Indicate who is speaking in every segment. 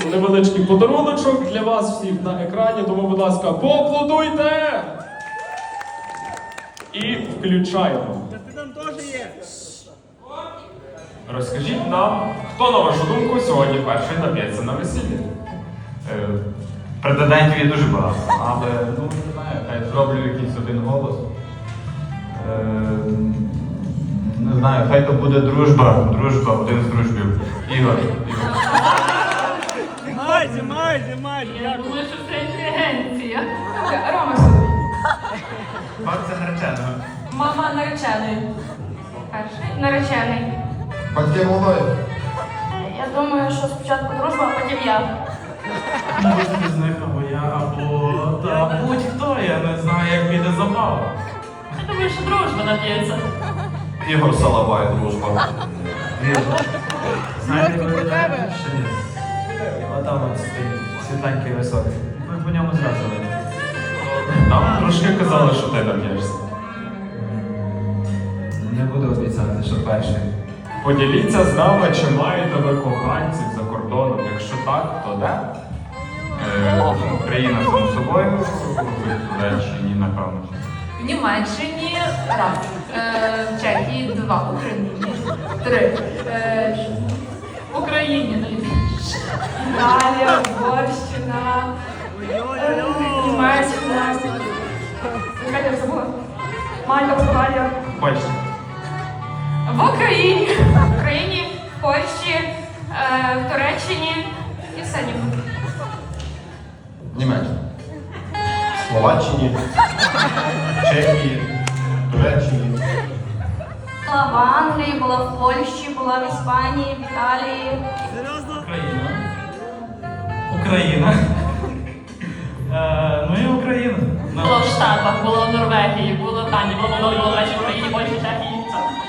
Speaker 1: невеличкий подаруночок для вас всіх на екрані, тому, будь ласка, поаплодуйте! І включаємо. Розкажіть нам, хто, на вашу думку, сьогодні перший нап'ється на весіллі?
Speaker 2: Претендентів є дуже багато, але, ну, не знаю, хай зроблю якийсь один голос. Не знаю, хай то буде дружба, один з дружбів. Ігор.
Speaker 3: Я думаю, що це інтелігенція.
Speaker 4: Рома сюди.
Speaker 2: Бабця нареченого.
Speaker 4: Мама наречений. Перший наречений.
Speaker 5: Батьки молодої.
Speaker 4: Я думаю, що спочатку дружба, а потім я.
Speaker 2: Можете з них або я, або та будь-хто, я не знаю, як піде забава.
Speaker 3: Я думаю, що дружба нап'ється.
Speaker 5: Ігор Салабай, дружба.
Speaker 2: Знаєте, ви тебе? Ще ні. Отам от стоїть, світленький високий. Ми по ньому зразу видно.
Speaker 1: Нам трошки казали, що ти нап'єшся.
Speaker 2: Не буду обіцяти, що перший.
Speaker 1: Поділіться з нами, чи маєте ви коханців за кордоном. Якщо так, то де?
Speaker 2: Україна само собою, в Туреччині, напевно.
Speaker 4: В Німеччині раз. В Чехії два. В Україні три.
Speaker 3: В Україні найбільше.
Speaker 4: Італія, Угорщина, Німеччина. Яка я забула? Мальта, Португалія.
Speaker 1: Бачите.
Speaker 4: В Україні. В Україні, в Польщі, в Туреччині і все ніби.
Speaker 5: Німеччина. Словаччині. Чехії. Туреччині.
Speaker 4: Була в Англії, була в Польщі, була в Іспанії, в Італії.
Speaker 2: Україна. Україна. Ну і Україна.
Speaker 3: Було в Штатах, було в Норвегії, було в Данії, було в Молдові, було в Речі, в Україні, Польщі, Чехії.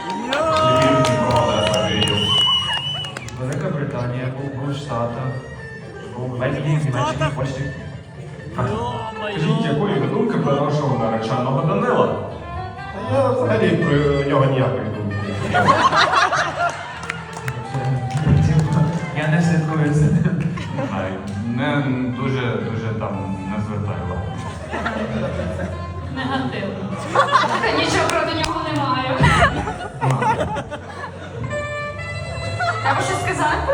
Speaker 2: Велика Британія, був в Штатах, був в Бельгії, в Німеччині, в Польщі.
Speaker 1: Скажіть, якої ви думки про нашого нареченого Данила?
Speaker 5: Та я взагалі про нього ніякої думки.
Speaker 2: Я не слідкую за ним. Не дуже там не звертаю увагу.
Speaker 3: Негативно.
Speaker 4: Та нічого проти нього не маю. Треба щось сказати?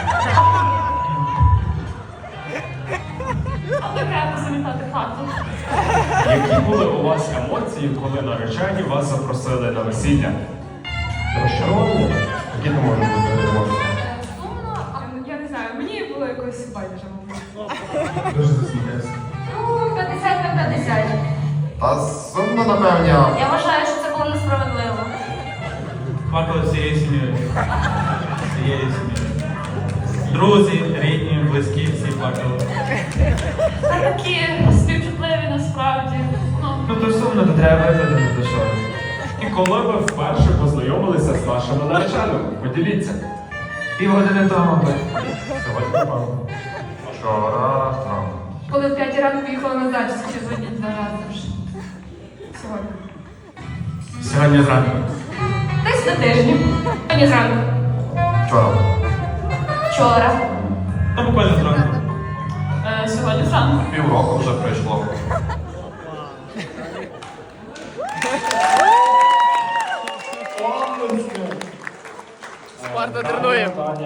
Speaker 3: Але треба замітати хату.
Speaker 1: Які були у вас емоції, коли наречені вас запросили на весілля?
Speaker 5: Розчаровані? Які то можуть бути емоції?
Speaker 4: Сумно. Я не знаю, мені було якось байдуже, мабуть.
Speaker 5: Дуже засміявся.
Speaker 4: Ну, 50 на 50.
Speaker 5: Та сумно, напевно.
Speaker 4: Я вважаю, що це було несправедливо.
Speaker 2: Плакали всією сім'єю. Всією сім'єю. Друзі, рідні, близькі, всі плакали.
Speaker 3: Та такі співчутливі насправді.
Speaker 2: Ну то сумно, то треба визнати, то що.
Speaker 1: І коли ви вперше познайомилися з вашими нареченими? Поділіться.
Speaker 2: Півгодини тому.
Speaker 1: Сьогодні напевно.
Speaker 2: Вчора, там.
Speaker 4: Коли в 5 ранку поїхала на дачу, чи сьогодні 2 рази вже. Сьогодні.
Speaker 2: Сьогодні зранку.
Speaker 4: Десь на тижні. Сьогодні зранку.
Speaker 5: Вчора.
Speaker 4: Вчора.
Speaker 2: Та буквально зранку.
Speaker 3: Сьогодні зранку.
Speaker 5: Півроку вже пройшло.
Speaker 1: Спарта тренує.